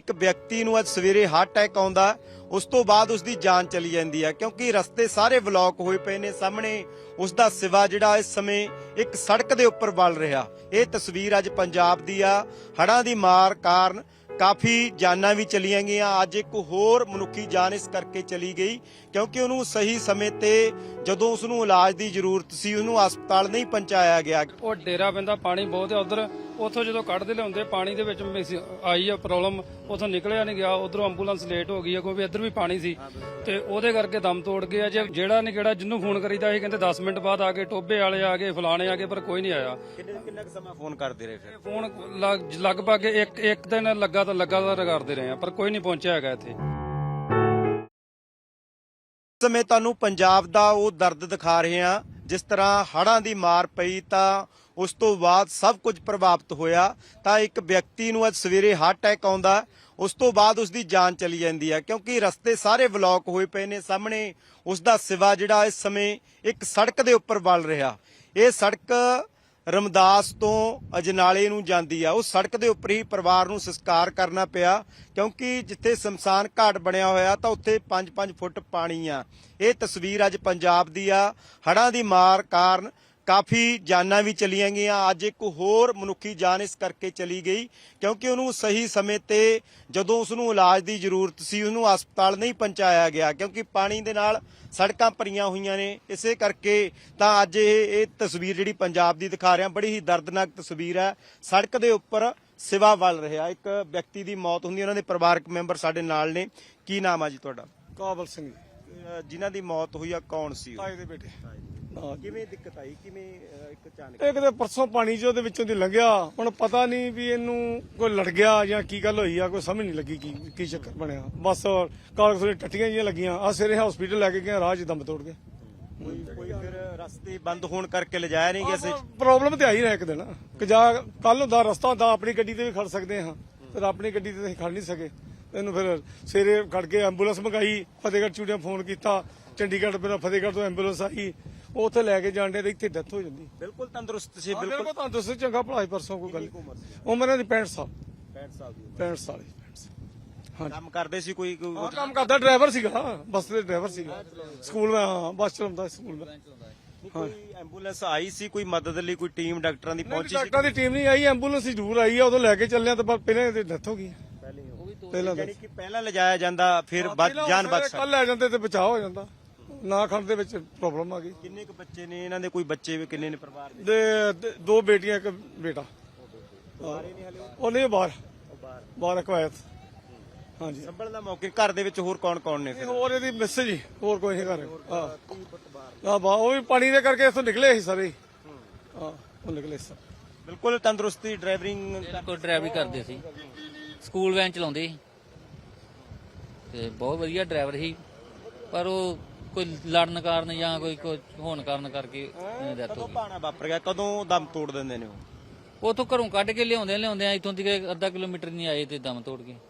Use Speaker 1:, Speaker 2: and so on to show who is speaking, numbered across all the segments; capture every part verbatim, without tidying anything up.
Speaker 1: ਇੱਕ ਵਿਅਕਤੀ ਨੂੰ ਅੱਜ ਸਵੇਰੇ ਹਾਰਟ ਅਟੈਕ ਆਉਂਦਾ, ਉਸ ਤੋਂ ਬਾਅਦ ਉਸ ਦੀ ਜਾਨ ਚਲੀ ਜਾਂਦੀ ਹੈ ਕਿਉਂਕਿ ਰਸਤੇ ਸਾਰੇ ਬਲੌਕ ਹੋਏ ਪਏ ਨੇ। ਸਾਹਮਣੇ ਉਸ ਦਾ ਸਿਵਾ ਜਿਹੜਾ ਇਸ ਸਮੇਂ ਇੱਕ ਸੜਕ ਦੇ ਉੱਪਰ ਵਲ ਰਿਹਾ। ਇਹ ਤਸਵੀਰ ਅੱਜ ਪੰਜਾਬ ਦੀ ਆ। ਹੜ੍ਹਾਂ ਦੀ ਮਾਰ ਕਾਰਨ ਕਾਫੀ ਜਾਨਾਂ ਵੀ ਚਲੀਆਂ ਗਈਆਂ। ਅੱਜ ਇੱਕ ਹੋਰ ਮਨੁੱਖੀ ਜਾਨ ਇਸ ਕਰਕੇ ਚਲੀ ਗਈ ਕਿਉਂਕਿ ਉਹਨੂੰ ਸਹੀ ਸਮੇਂ ਤੇ ਜਦੋਂ ਉਸ ਨੂੰ ਇਲਾਜ ਦੀ ਜ਼ਰੂਰਤ ਸੀ ਉਹਨੂੰ ਹਸਪਤਾਲ ਨਹੀਂ ਪਹੁੰਚਾਇਆ ਗਿਆ।
Speaker 2: ਉਹ ਡੇਰਾ ਪੈਂਦਾ, ਪਾਣੀ ਬਹੁਤ ਹੈ ਉਧਰ। ਉੱਥੋਂ ਜਦੋਂ ਕੱਢਦੇ ਲਿਆਉਂਦੇ ਪਾਣੀ ਦੇ ਵਿੱਚ ਆਈ ਆ ਪ੍ਰੋਬਲਮ, ਉੱਥੋਂ ਨਿਕਲਿਆ ਨਹੀਂ ਗਿਆ। ਉਧਰੋਂ ਐਂਬੂਲੈਂਸ ਲੇਟ ਹੋ ਗਈ ਆ ਕਿਉਂਕਿ ਇੱਧਰ ਵੀ ਪਾਣੀ ਸੀ ਤੇ ਉਹਦੇ ਕਰਕੇ ਦਮ ਤੋੜ ਗਿਆ। ਜੇ ਜਿਹੜਾ ਨਹੀਂ ਕਿਹੜਾ ਜਿਹਨੂੰ ਫੋਨ ਕਰੀਦਾ ਇਹ ਕਹਿੰਦੇ ਦਸ ਮਿੰਟ ਬਾਅਦ ਆ ਗਏ, ਟੋਬੇ ਵਾਲੇ ਆ ਗਏ, ਫਲਾਣੇ ਆ ਗਏ, ਪਰ ਕੋਈ ਨਹੀਂ ਆਇਆ।
Speaker 1: ਕਿੰਨਾ ਕੁ ਸਮਾਂ ਫੋਨ ਕਰਦੇ ਰਹੇ ਫਿਰ?
Speaker 2: ਫੋਨ ਲਗਭਗ ਇੱਕ ਇੱਕ ਦਿਨ ਲੱਗਾ ਤਾਂ ਲਗਾਤਾਰ ਕਰਦੇ ਰਹੇ ਆ ਪਰ ਕੋਈ ਨਹੀਂ ਪਹੁੰਚਿਆ ਹੈਗਾ ਇੱਥੇ।
Speaker 1: ਇਸ ਸਮੇਂ ਤੁਹਾਨੂੰ ਪੰਜਾਬ ਦਾ ਉਹ ਦਰਦ ਦਿਖਾ ਰਹੇ ਹਾਂ ਜਿਸ ਤਰ੍ਹਾਂ ਹੜ੍ਹਾਂ ਦੀ ਮਾਰ ਪਈ ਤਾਂ ਉਸ ਤੋਂ ਬਾਅਦ ਸਭ ਕੁਝ ਪ੍ਰਭਾਵਿਤ ਹੋਇਆ। ਤਾਂ ਇੱਕ ਵਿਅਕਤੀ ਨੂੰ ਅੱਜ ਸਵੇਰੇ ਹਾਰਟ ਅਟੈਕ ਆਉਂਦਾ, ਉਸ ਤੋਂ ਬਾਅਦ ਉਸ ਦੀ ਜਾਨ ਚਲੀ ਜਾਂਦੀ ਹੈ ਕਿਉਂਕਿ ਰਸਤੇ ਸਾਰੇ ਬਲੌਕ ਹੋਏ ਪਏ ਨੇ। ਸਾਹਮਣੇ ਉਸ ਦਾ ਸਿਵਾ ਜਿਹੜਾ ਇਸ ਸਮੇਂ ਇੱਕ ਸੜਕ ਦੇ ਉੱਪਰ ਵਲ ਰਿਹਾ। ਇਹ ਸੜਕ ਰਮਦਾਸ ਤੋਂ ਅਜਨਾਲੇ ਨੂੰ ਜਾਂਦੀ ਆ। ਉਸ ਸੜਕ ਦੇ ਉੱਪਰ ਹੀ ਪਰਿਵਾਰ ਨੂੰ ਸੰਸਕਾਰ ਕਰਨਾ ਪਿਆ ਕਿਉਂਕਿ ਜਿੱਥੇ ਸ਼ਮਸ਼ਾਨ ਘਾਟ ਬਣਿਆ ਹੋਇਆ ਤਾਂ ਉੱਥੇ ਪੰਜ ਪੰਜ ਫੁੱਟ ਪਾਣੀ ਆ। ਇਹ ਤਸਵੀਰ ਅੱਜ ਪੰਜਾਬ ਦੀ ਆ। ਹੜ੍ਹਾਂ ਦੀ ਮਾਰ ਕਾਰਨ ਕਾਫੀ ਜਾਨਾਂ ਵੀ ਚਲੀਆਂ ਗਈਆਂ। ਅੱਜ ਇੱਕ ਹੋਰ ਮਨੁੱਖੀ ਜਾਨ ਇਸ ਕਰਕੇ ਚਲੀ ਗਈ ਕਿਉਂਕਿ ਉਹਨੂੰ ਸਹੀ ਸਮੇਂ ਤੇ ਜਦੋਂ ਉਸ ਨੂੰ ਇਲਾਜ ਦੀ ਜ਼ਰੂਰਤ ਸੀ ਉਹਨੂੰ ਹਸਪਤਾਲ ਨਹੀਂ ਪਹੁੰਚਾਇਆ ਗਿਆ ਕਿਉਂਕਿ ਪਾਣੀ ਦੇ ਨਾਲ ਸੜਕਾਂ ਭਰੀਆਂ ਹੋਈਆਂ ਨੇ। ਇਸੇ ਕਰਕੇ ਤਾਂ ਅੱਜ ਇਹ ਇਹ ਤਸਵੀਰ ਜਿਹੜੀ ਪੰਜਾਬ ਦੀ ਦਿਖਾ ਰਿਹਾ, ਬੜੀ ਹੀ ਦਰਦਨਾਕ ਤਸਵੀਰ ਹੈ। ਸੜਕ ਦੇ ਉੱਪਰ ਸਿਵਾ ਵੱਲ ਰਿਹਾ ਇੱਕ ਵਿਅਕਤੀ ਦੀ ਮੌਤ ਹੁੰਦੀ। ਉਹਨਾਂ ਦੇ ਪਰਿਵਾਰਕ ਮੈਂਬਰ ਸਾਡੇ ਨਾਲ ਨੇ। ਕੀ ਨਾਮ ਆ ਜੀ ਤੁਹਾਡਾ?
Speaker 3: ਕਾਬਲ ਸਿੰਘ
Speaker 1: ਜਿਨ੍ਹਾਂ ਦੀ ਮੌਤ ਹੋਈ ਆ ਕੌਣ ਸੀ?
Speaker 3: ਤਾਏ ਦੇ ਬੇਟੇ।
Speaker 1: ਕਿਵੇਂ ਦਿੱਕਤ ਆਈ? ਕਿਵੇਂ ਇੱਕ ਅਚਾਨਕ?
Speaker 3: ਇੱਕ ਤੇ ਪਰਸੋਂ ਪਾਣੀ ਚ ਉਹਦੇ ਵਿੱਚੋਂ ਦੀ ਲੰਘਿਆ। ਹੁਣ ਪਤਾ ਨਹੀਂ ਵੀ ਇਹਨੂੰ ਕੋਈ ਲੜ ਗਿਆ ਜਾਂ ਕੀ ਗੱਲ ਹੋਈ ਆ, ਕੋਈ ਸਮਝ ਨਹੀਂ ਲੱਗੀ ਕੀ ਕੀ ਚੱਕਰ ਬਣਿਆ। ਬਸ ਕਾਗਜ਼ ਦੇ ਟੱਟੀਆਂ ਜਿਹੀਆਂ ਲੱਗੀਆਂ। ਆ ਸਵੇਰੇ ਹਸਪੀਟਲ ਲੈ ਕੇ ਗਏ, ਰਾਹ 'ਚ ਦਮ ਤੋੜ ਗਏ।
Speaker 1: ਕੋਈ ਕੋਈ ਫਿਰ ਰਸਤੇ ਬੰਦ ਹੋਣ ਕਰਕੇ ਲਿਜਾਇਆ ਨਹੀਂ ਗਿਆ ਸੀ?
Speaker 3: ਪ੍ਰੋਬਲਮ ਤੇ ਆਈ ਨਾ ਇੱਕ ਦਿਨ ਕਿ ਜਾ ਕੱਲ ਹੁੰਦਾ ਰਸਤਾ ਹੁੰਦਾ, ਆਪਣੀ ਗੱਡੀ ਤੇ ਵੀ ਖੜ ਸਕਦੇ ਹਾਂ ਪਰ ਆਪਣੀ ਗੱਡੀ ਤੇ ਅਸੀਂ ਖੜ ਨਹੀਂ ਸਕੇ। ਇਹਨੂੰ ਫਿਰ ਸਵੇਰੇ ਖੜ ਕੇ ਐਂਬੂਲੈਂਸ ਮੰਗਾਈ, ਫਤਿਹਗੜ੍ਹ ਚੂੜੀਆਂ ਫੋਨ ਕੀਤਾ, ਚੰਡੀਗੜ੍ਹ ਫਿਰ ਫਤਿਹਗੜ੍ਹ ਤੋਂ ਐਂਬੂਲੈਂਸ ਆਈ, ਉੱਥੇ ਲੈ ਕੇ ਜਾਂਦੇ ਤੇ ਇੱਥੇ ਡੈਥ ਹੋ ਜਾਂਦੀ।
Speaker 1: ਬਿਲਕੁਲ ਤੰਦਰੁਸਤ ਸੀ?
Speaker 3: ਬਿਲਕੁਲ ਤੰਦਰੁਸਤ, ਚੰਗਾ ਭਲਾ ਸੀ। ਪਰਸੋਂ ਕੋਈ ਗੱਲ ਉਮਰ ਇਹਦੀ ਪੈਂਹਠ ਸਾਲ।
Speaker 1: ਪੈਂਹਠ ਸਾਲ ਦੀ
Speaker 3: ਪੈਂਹਠ ਸਾਲ ਹਾਂ।
Speaker 1: ਕੰਮ ਕਰਦੇ ਸੀ ਕੋਈ?
Speaker 3: ਹਾਂ, ਕੰਮ ਕਰਦਾ, ਡਰਾਈਵਰ ਸੀਗਾ, ਬੱਸ ਦੇ ਡਰਾਈਵਰ ਸੀਗਾ। ਸਕੂਲ ਮੈਂ ਹਾਂ ਬੱਸ ਚਲਾਉਂਦਾ ਸਕੂਲ ਮੈਂ।
Speaker 1: ਕੋਈ ਐਂਬੂਲੈਂਸ ਆਈ ਸੀ ਕੋਈ ਮਦਦ ਲਈ? ਕੋਈ ਟੀਮ ਡਾਕਟਰਾਂ ਦੀ ਪਹੁੰਚੀ ਸੀ?
Speaker 3: ਡਾਕਟਰਾਂ ਦੀ ਟੀਮ ਨਹੀਂ ਆਈ, ਐਂਬੂਲੈਂਸ ਜ਼ਰੂਰ ਆਈ ਆ। ਉਦੋਂ ਲੈ ਕੇ ਚੱਲਿਆ ਤਾਂ ਪਹਿਲਾਂ ਇਹਦੀ ਡੈਥ ਹੋ ਗਈ।
Speaker 1: ਪਹਿਲਾਂ ਯਾਨੀ ਕਿ ਪਹਿਲਾਂ ਲਿਜਾਇਆ ਜਾਂਦਾ ਫਿਰ ਜਾਨ ਬਚ ਸਕਦੀ।
Speaker 3: ਕੱਲ ਲੈ ਜਾਂਦੇ ਤੇ ਬਚਾਅ ਹੋ ਜਾਂਦਾ। ਨਾ ਖੰਡ ਦੇ ਵਿੱਚ ਪ੍ਰੋਬਲਮ ਆ ਗਈ।
Speaker 1: ਕਿੰਨੇ ਕੁ ਬੱਚੇ ਨੇ ਇਹਨਾਂ ਦੇ? ਕੋਈ ਬੱਚੇ ਵੀ ਕਿੰਨੇ ਨੇ ਪਰਿਵਾਰ ਦੇ?
Speaker 3: ਦੇ ਦੋ ਬੇਟੀਆਂ ਇੱਕ ਬੇਟਾ। ਉਹ ਨਹੀਂ ਬਾਹਰ ਬਾਹਰ ਕਵਾਇਤ। ਹਾਂਜੀ।
Speaker 1: ਸੰਭਲ ਦਾ ਮੌਕੇ ਘਰ ਦੇ ਵਿੱਚ ਹੋਰ ਕੌਣ ਕੌਣ ਨੇ?
Speaker 3: ਹੋਰ ਇਹਦੀ ਮਿਸ ਜੀ, ਹੋਰ ਕੋਈ ਨਹੀਂ ਘਰ। ਹਾਂ ਹਾਂ ਬਾ ਉਹ ਵੀ ਪਾਣੀ ਦੇ ਕਰਕੇ ਇੱਥੋਂ ਨਿਕਲੇ ਸੀ ਸਾਰੇ। ਹਾਂ ਉਹ ਨਿਕਲੇ ਸੀ।
Speaker 1: ਬਿਲਕੁਲ ਤੰਦਰੁਸਤੀ ਡਰਾਈਵਰਿੰਗ
Speaker 4: ਕੋਈ ਡਰਾਈਵਰੀ ਕਰਦੇ ਸੀ, ਸਕੂਲ ਵੈਨ ਚਲਾਉਂਦੇ ਸੀ ਤੇ ਬਹੁਤ ਵਧੀਆ ਡਰਾਈਵਰ ਸੀ ਪਰ ਉਹ ਕੋਈ ਲੜਨ ਕਾਰਨ ਜਾਂ ਕੋਈ ਕੋਈ ਹੋਣ ਕਾਰਨ ਕਰਕੇ ਡੈਥ ਹੋ
Speaker 1: ਕਦੋਂ
Speaker 4: ਗਈ।
Speaker 1: ਪਾਣਾ ਵਾਪਰ ਗਿਆ? ਕਦੋਂ ਦਮ ਤੋੜ ਦਿੰਦੇ ਨੇ ਉਹ?
Speaker 4: ਉਥੋਂ ਘਰੋਂ ਕੱਢ ਕੇ ਲਿਆਉਂਦੇ ਲਿਆਉਂਦੇ ਇੱਥੋਂ ਦੀ ਅੱਧਾ ਕਿਲੋਮੀਟਰ ਨਹੀਂ ਆਏ ਤੇ ਦਮ ਤੋੜ ਗਏ।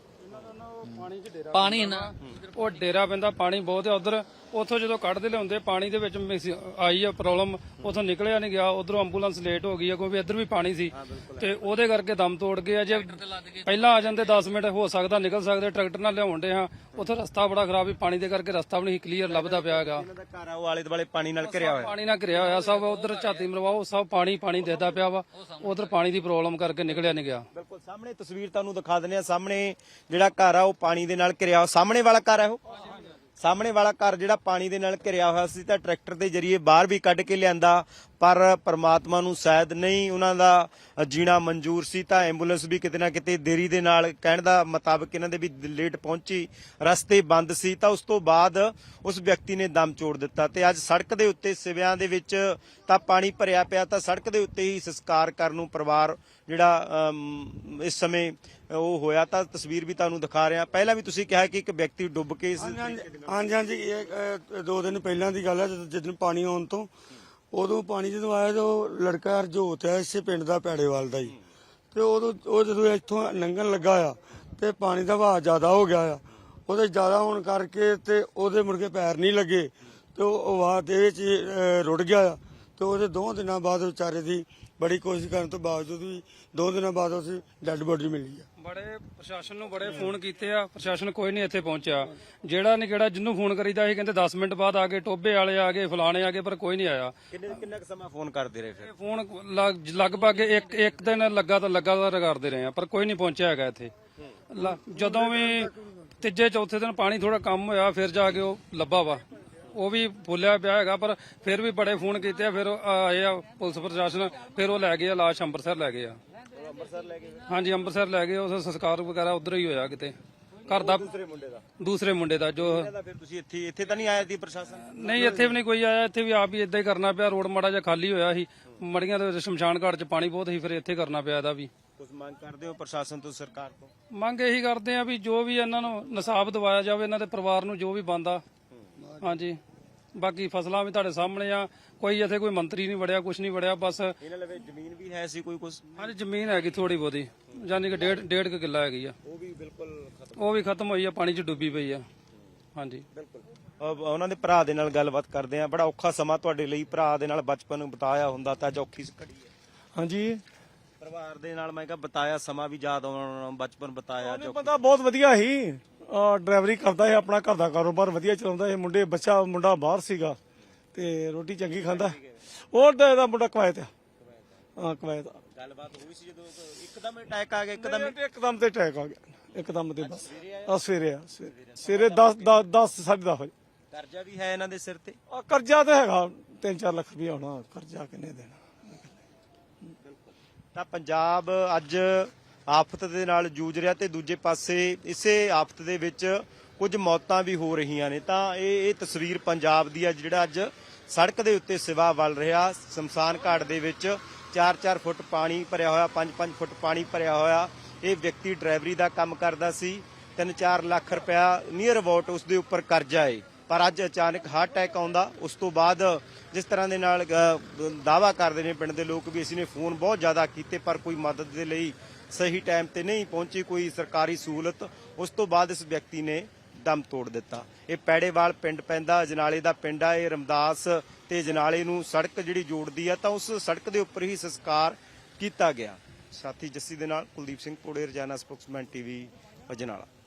Speaker 4: ਪਾਣੀ ਨਾ
Speaker 2: ਉਹ ਡੇਰਾ ਪੈਂਦਾ, ਪਾਣੀ ਬਹੁਤ ਹੈ ਉਧਰ। ਉੱਥੋਂ ਜਦੋਂ ਕੱਢਦੇ ਲਿਆਉਂਦੇ ਪਾਣੀ ਦੇ ਵਿੱਚ ਆਈ ਆ ਪ੍ਰੋਬਲਮ, ਉੱਥੋਂ ਨਿਕਲਿਆ ਨਹੀਂ ਗਿਆ। ਉਧਰੋਂ ਐਂਬੂਲੈਂਸ ਲੇਟ ਹੋ ਗਈ ਆ ਕਿਉਂਕਿ ਇੱਧਰ ਵੀ ਪਾਣੀ ਸੀ ਤੇ ਉਹਦੇ ਕਰਕੇ ਦਮ ਤੋੜ ਗਏ। ਜੇ ਪਹਿਲਾਂ ਆ ਜਾਂਦੇ ਦਸ ਮਿੰਟ ਹੋ ਸਕਦਾ ਨਿਕਲ ਸਕਦੇ। ਟਰੈਕਟਰ ਨਾਲ ਲਿਆਉਂਦੇ ਹਾਂ, ਉੱਥੇ ਰਸਤਾ ਬੜਾ ਖਰਾਬ ਸੀ, ਪਾਣੀ ਦੇ ਕਰਕੇ ਰਸਤਾ ਵੀ ਨਹੀਂ ਕਲੀਅਰ ਲੱਭਦਾ ਪਿਆ ਹੈਗਾ।
Speaker 1: ਇਹਨਾਂ ਦਾ ਘਰ ਆ ਉਹ ਆਲੇ ਦੁਆਲੇ ਪਾਣੀ ਨਾਲ ਘਿਰਿਆ ਹੋਇਆ?
Speaker 2: ਪਾਣੀ ਨਾਲ ਘਿਰਿਆ ਹੋਇਆ ਸਭ। ਉਧਰ ਝਾਤੀ ਮਰਵਾਓ, ਸਭ ਪਾਣੀ ਪਾਣੀ ਦਿਖਦਾ ਪਿਆ ਵਾ। ਉਧਰ ਪਾਣੀ ਦੀ ਪ੍ਰੋਬਲਮ ਕਰਕੇ ਨਿਕਲਿਆ ਨਹੀਂ ਗਿਆ।
Speaker 1: ਬਿਲਕੁਲ ਸਾਹਮਣੇ ਤਸਵੀਰ ਤੁਹਾਨੂੰ ਦਿਖਾ ਦਿੰਦੇ ਆ। ਸਾਹਮਣੇ ਜਿਹੜਾ ਘਰ ਆ ਉਹ ਪਾਣੀ ਦੇ ਨਾਲ ਘਿਰਿਆ। ਸਾਹਮਣੇ ਵਾਲਾ ਘਰ ਹੈ ਉਹ ਸਾਹਮਣੇ ਵਾਲਾ ਘਰ ਜਿਹੜਾ ਪਾਣੀ ਦੇ ਨਾਲ ਘਿਰਿਆ ਹੋਇਆ ਸੀ ਤਾਂ ਟਰੈਕਟਰ ਦੇ ਜਰੀਏ ਬਾਹਰ ਵੀ ਕੱਢ ਕੇ ਲਿਆਂਦਾ ਪਰ ਪਰਮਾਤਮਾ ਨੂੰ ਸ਼ਾਇਦ ਨਹੀਂ ਉਹਨਾਂ ਦਾ ਜੀਣਾ ਮਨਜ਼ੂਰ ਸੀ ਤਾਂ ਐਂਬੂਲੈਂਸ ਵੀ ਕਿਤੇ ਨਾ ਕਿਤੇ ਦੇਰੀ ਦੇ ਨਾਲ, ਕਹਿਣ ਦਾ ਮੁਤਾਬਕ ਇਹਨਾਂ ਦੇ ਵੀ ਲੇਟ ਪਹੁੰਚੀ, ਰਸਤੇ ਬੰਦ ਸੀ ਤਾਂ ਉਸ ਤੋਂ ਬਾਅਦ ਉਸ ਵਿਅਕਤੀ ਨੇ ਦਮ ਤੋੜ ਦਿੱਤਾ। ਤੇ ਅੱਜ ਸੜਕ ਦੇ ਉੱਤੇ ਸਿਵਿਆਂ ਦੇ ਵਿੱਚ ਤਾਂ ਪਾਣੀ ਭਰਿਆ ਪਿਆ ਤਾਂ ਸੜਕ ਦੇ ਉੱਤੇ ਹੀ ਸੰਸਕਾਰ ਕਰਨ ਨੂੰ ਪਰਿਵਾਰ ਜਿਹੜਾ ਇਸ ਸਮੇਂ ਉਹ ਹੋਇਆ ਤਾਂ ਤਸਵੀਰ ਵੀ ਤੁਹਾਨੂੰ ਦਿਖਾ ਰਿਹਾ। ਪਹਿਲਾਂ ਵੀ ਤੁਸੀਂ ਕਿਹਾ ਕਿ ਇੱਕ ਵਿਅਕਤੀ ਡੁੱਬ ਕੇ
Speaker 5: ਹਾਂਜੀ ਹਾਂਜੀ ਇਹ ਦੋ ਦਿਨ ਪਹਿਲਾਂ ਦੀ ਗੱਲ ਹੈ ਜਦੋਂ ਪਾਣੀ ਆਉਣ ਤੋਂ ਉਦੋਂ ਪਾਣੀ ਜਦੋਂ ਆਇਆ ਤਾਂ ਉਹ ਲੜਕਾ ਹਰਜੋਤ ਹੈ ਇਸੇ ਪਿੰਡ ਦਾ ਪੈੜੇਵਾਲ ਦਾ ਹੀ ਤੇ ਉਦੋਂ ਉਹ ਜਦੋਂ ਇੱਥੋਂ ਲੰਘਣ ਲੱਗਾ ਆ ਤੇ ਪਾਣੀ ਦਾ ਵਹਾਅ ਜ਼ਿਆਦਾ ਹੋ ਗਿਆ ਆ। ਉਹਦੇ ਜ਼ਿਆਦਾ ਹੋਣ ਕਰਕੇ ਤੇ ਉਹਦੇ ਮੁੜ ਕੇ ਪੈਰ ਨਹੀਂ ਲੱਗੇ ਤੇ ਉਹ ਵਹਾਅ ਦੇ ਵਿੱਚ ਰੁੜ ਗਿਆ ਆ ਤੇ ਉਹਦੇ ਦੋ ਦਿਨਾਂ ਬਾਅਦ ਵਿਚਾਰੇ ਦੀ ਬੜੀ ਕੋਸ਼ਿਸ਼ ਕਰਨ ਤੋਂ ਬਾਵਜੂਦ ਵੀ ਦੋ ਦਿਨਾਂ ਬਾਅਦ ਉਸ ਡੈੱਡ ਬੋਡੀ ਮਿਲੀ ਆ।
Speaker 2: ਬੜੇ ਪ੍ਰਸ਼ਾਸਨ ਨੂੰ ਬੜੇ ਫੋਨ ਕੀਤੇ ਆ, ਪ੍ਰਸ਼ਾਸਨ ਕੋਈ ਨਹੀਂ ਇੱਥੇ ਪਹੁੰਚਿਆ। ਜਿਹੜਾ ਨਹੀਂ ਕਿਹੜਾ ਜਿੰਨੂੰ ਫੋਨ ਕਰੀਦਾ ਸੀ ਕਹਿੰਦੇ ਦਸ ਮਿੰਟ ਬਾਅਦ ਆ ਗਏ, ਟੋਬੇ ਵਾਲੇ ਆ ਗਏ, ਫਲਾਣੇ ਆ ਗਏ, ਪਰ ਕੋਈ ਨਹੀਂ ਆਇਆ।
Speaker 1: ਕਿੰਨੇ ਕਿੰਨਾ ਕੁ ਸਮਾਂ ਫੋਨ ਕਰਦੇ ਰਹੇ ਫਿਰ?
Speaker 2: ਇਹ ਫੋਨ ਲਗ- ਲਗਭਗ ਇੱਕ ਇੱਕ ਦਿਨ ਲੱਗਾ ਤਾਂ ਲਗਾਤਾਰ ਕਰਦੇ ਰਹੇ ਆ, ਪਰ ਕੋਈ ਨਹੀਂ ਪਹੁੰਚਿਆ ਹੈਗਾ ਇੱਥੇ। ਲ- ਜਦੋਂ ਵੀ ਤੀਜੇ ਚੌਥੇ ਦਿਨ ਪਾਣੀ ਥੋੜਾ ਕੰਮ ਹੋਇਆ ਫਿਰ ਜਾ ਕੇ ਉਹ ਲੱਭਾ ਵਾ, ਉਹ ਵੀ ਫੁੱਲਿਆ ਪਿਆ ਹੈਗਾ, ਪਰ ਫਿਰ ਵੀ ਬੜੇ ਫੋਨ ਕੀਤੇ ਆ। ਫਿਰ ਉਹ ਆਏ ਆ ਪੁਲਿਸ ਪ੍ਰਸ਼ਾਸਨ, ਫਿਰ ਉਹ ਲੈ ਗਏ ਆ ਲਾਸ਼, ਅੰਮ੍ਰਿਤਸਰ ਲੈ ਗਏ ਆ।
Speaker 1: ਅੰਮ੍ਰਿਤਸਰ ਲੈ ਕੇ
Speaker 2: ਹਾਂਜੀ ਅੰਮ੍ਰਿਤਸਰ ਲੈ ਗਏ, ਉਸ ਸੰਸਕਾਰ ਵਗੈਰਾ ਉਧਰ ਹੀ ਹੋਇਆ ਕਿਤੇ ਘਰ ਦਾ,
Speaker 1: ਦੂਸਰੇ ਮੁੰਡੇ ਦਾ
Speaker 2: ਦੂਸਰੇ ਮੁੰਡੇ ਦਾ ਜੋ
Speaker 1: ਕਹਿੰਦਾ। ਫਿਰ ਤੁਸੀਂ ਇੱਥੇ ਇੱਥੇ ਤਾਂ ਨਹੀਂ ਆਇਆ ਸੀ ਪ੍ਰਸ਼ਾਸਨ?
Speaker 2: ਨਹੀਂ ਇੱਥੇ ਵੀ ਨਹੀਂ ਕੋਈ ਆਇਆ, ਇੱਥੇ ਵੀ ਆਪ ਹੀ ਇਦਾਂ ਹੀ ਕਰਨਾ ਪਿਆ। ਰੋਡ ਮਾੜਾ ਜਿਹਾ ਖਾਲੀ ਹੋਇਆ ਸੀ, ਮੜੀਆਂ ਦੇ ਵਿੱਚ ਸ਼ਮਸ਼ਾਨ ਘਾਟ 'ਚ ਪਾਣੀ ਬਹੁਤ ਸੀ, ਫਿਰ ਇੱਥੇ ਕਰਨਾ ਪਿਆ ਇਹਦਾ ਵੀ।
Speaker 1: ਕੁਝ ਮੰਗ ਕਰਦੇ ਹੋ ਪ੍ਰਸ਼ਾਸਨ ਤੋਂ, ਸਰਕਾਰ ਤੋਂ?
Speaker 2: ਮੰਗ ਇਹੀ ਕਰਦੇ ਆ ਵੀ ਜੋ ਵੀ ਇਹਨਾਂ ਨੂੰ ਨਸਾਬ ਦਿਵਾਇਆ ਜਾਵੇ, ਇਹਨਾਂ ਦੇ ਪਰਿਵਾਰ ਨੂੰ ਜੋ ਵੀ ਬਣਦਾ। ਹਾਂਜੀ ਬਾਕੀ ਫਸਲਾਂ ਵੀ ਤੁਹਾਡੇ ਸਾਹਮਣੇ ਆ, ਕੋਈ ਇੱਥੇ ਕੋਈ ਮੰਤਰੀ ਨਹੀਂ ਵੜਿਆ, ਕੁਝ ਨਹੀਂ ਵੜਿਆ, ਬਸ।
Speaker 1: ਇਹਨਾਂ ਲਵੇ ਜ਼ਮੀਨ ਵੀ ਹੈ ਸੀ ਕੋਈ ਕੁਝ?
Speaker 2: ਹਾਂਜੀ ਜ਼ਮੀਨ ਹੈਗੀ ਥੋੜੀ ਬਹੁਤੀ, ਯਾਨੀ ਕਿ ਡੇਢ ਡੇਢ ਕੁ ਕਿੱਲਾ ਹੈਗੀ ਆ,
Speaker 1: ਉਹ ਵੀ ਬਿਲਕੁਲ ਖਤਮ।
Speaker 2: ਉਹ ਵੀ ਖਤਮ ਹੋਈ ਆ, ਪਾਣੀ 'ਚ ਡੁੱਬੀ ਪਈ ਆ। ਹਾਂਜੀ
Speaker 1: ਬਿਲਕੁਲ। ਉਹਨਾਂ ਦੇ ਭਰਾ ਦੇ ਨਾਲ ਗੱਲਬਾਤ ਕਰਦੇ ਆ। ਬੜਾ ਔਖਾ ਸਮਾਂ ਤੁਹਾਡੇ ਲਈ, ਭਰਾ ਦੇ ਨਾਲ ਬਚਪਨ ਬਿਤਾਇਆ ਹੁੰਦਾ ਤਾਂ ਅੱਜ ਔਖੀ ਘੜੀ ਹੈ।
Speaker 3: ਹਾਂਜੀ
Speaker 1: ਪਰਿਵਾਰ ਦੇ ਨਾਲ ਮੈਂ ਕਿਹਾ ਬਿਤਾਇਆ ਸਮਾਂ ਵੀ ਯਾਦ ਆਉਣਾ, ਬਚਪਨ ਬਿਤਾਇਆ
Speaker 3: ਉਹਨੇ
Speaker 1: ਜੋ।
Speaker 3: ਬੰਦਾ ਬਹੁਤ ਵਧੀਆ ਸੀ, ਡਰਾਈਵਰੀ ਕਰਦਾ ਹੈ, ਆਪਣਾ ਘਰ ਦਾ ਕਾਰੋਬਾਰ ਵਧੀਆ ਚਲਾਉਂਦਾ ਹੈ। ਮੁੰਡੇ ਬੱਚਾ ਮੁੰਡਾ ਬਾਹਰ ਸੀਗਾ ਤੇ ਰੋਟੀ ਚੰਗੀ ਖਾਂਦਾ। ਹੋਰ ਤਾਂ ਇਹਦਾ ਮੁੰਡਾ ਕਵਾਇਤ ਆ, ਹਾਂ ਕਵਾਇਤ ਆ।
Speaker 1: ਗੱਲਬਾਤ ਹੋਈ ਸੀ ਜਦੋਂ ਇੱਕਦਮ ਅਟੈਕ ਆ ਗਿਆ? ਇੱਕਦਮ
Speaker 3: ਇੱਕਦਮ ਇੱਕਦਮ ਤੇ ਅਟੈਕ ਆ ਗਿਆ, ਇੱਕਦਮ ਤੇ ਬਸ ਆ ਸਵੇਰੇ ਆ ਸਵੇਰੇ ਸਵੇਰੇ ਦਸ ਦਸ ਸਾਢੇ ਦਸ ਵਜੇ।
Speaker 1: ਕਰਜ਼ਾ ਵੀ ਹੈ ਇਹਨਾਂ ਦੇ ਸਿਰ ਤੇ?
Speaker 3: ਆ ਕਰਜ਼ਾ ਤਾਂ ਹੈਗਾ ਤਿੰਨ ਚਾਰ ਲੱਖ ਰੁਪਇਆ ਹੋਣਾ, ਕਰਜ਼ਾ ਕਿੰਨੇ ਦੇਣਾ।
Speaker 1: ਤਾਂ ਪੰਜਾਬ ਅੱਜ ਆਫਤ ਦੇ ਨਾਲ ਜੂਝ ਰਿਹਾ ਤੇ ਦੂਜੇ ਪਾਸੇ ਇਸੇ ਆਫਤ ਦੇ ਵਿੱਚ ਕੁਝ ਮੌਤਾਂ ਵੀ ਹੋ ਰਹੀਆਂ ਨੇ। ਤਾਂ ਇਹ ਇਹ ਤਸਵੀਰ ਪੰਜਾਬ ਦੀ ਆ, ਜਿਹੜਾ ਅੱਜ ਸੜਕ ਦੇ ਉੱਤੇ ਸਿਵਾ ਵੱਲ ਰਿਹਾ। ਸ਼ਮਸ਼ਾਨ ਘਾਟ ਦੇ ਵਿੱਚ ਚਾਰ ਚਾਰ ਫੁੱਟ ਪਾਣੀ ਭਰਿਆ ਹੋਇਆ, ਪੰਜ ਪੰਜ ਫੁੱਟ ਪਾਣੀ ਭਰਿਆ ਹੋਇਆ। ਇਹ ਵਿਅਕਤੀ ਡਰਾਈਵਰੀ ਦਾ ਕੰਮ ਕਰਦਾ ਸੀ, ਤਿੰਨ ਚਾਰ ਲੱਖ ਰੁਪਇਆ ਨੀਅਰ ਅਬਾਊਟ ਉਸ ਦੇ ਉੱਪਰ ਕਰਜ਼ਾ ਏ। ਪਰ ਅੱਜ ਅਚਾਨਕ ਹਾਰਟ ਅਟੈਕ ਆਉਂਦਾ। ਉਸ ਤੋਂ ਬਾਅਦ ਜਿਸ ਤਰ੍ਹਾਂ ਦੇ ਨਾਲ ਦਾਅਵਾ ਕਰਦੇ ਨੇ ਪਿੰਡ ਦੇ ਲੋਕ ਵੀ ਅਸੀਂ ਨੇ ਫੋਨ ਬਹੁਤ ਜ਼ਿਆਦਾ ਕੀਤੇ, ਪਰ ਕੋਈ ਮਦਦ ਦੇ ਲਈ ਸਹੀ ਟਾਈਮ ਤੇ ਨਹੀਂ ਪਹੁੰਚੀ, ਕੋਈ ਸਰਕਾਰੀ ਸਹੂਲਤ। ਉਸ ਤੋਂ ਬਾਅਦ ਇਸ ਵਿਅਕਤੀ ਨੇ ਦਮ ਤੋੜ ਦਿੱਤਾ। ਇਹ ਪੈੜੇਵਾਲ ਪਿੰਡ ਪੈਂਦਾ, ਜਨਾਲੇ ਦਾ ਪਿੰਡ ਆ ਇਹ। ਰਮਦਾਸ ਤੇ ਜਨਾਲੇ ਨੂੰ ਸੜਕ ਜਿਹੜੀ ਜੋੜਦੀ ਆ, ਤਾਂ ਉਸ ਸੜਕ ਦੇ ਉੱਪਰ ਹੀ ਸੰਸਕਾਰ ਕੀਤਾ ਗਿਆ। ਸਾਥੀ ਜੱਸੀ ਦੇ ਨਾਲ ਕੁਲਦੀਪ ਸਿੰਘ ਪੋੜੇ, ਰੋਜ਼ਾਨਾ ਸਪੋਕਸਮੈਨ ਟੀਵੀ, ਅਜਨਾਲਾ।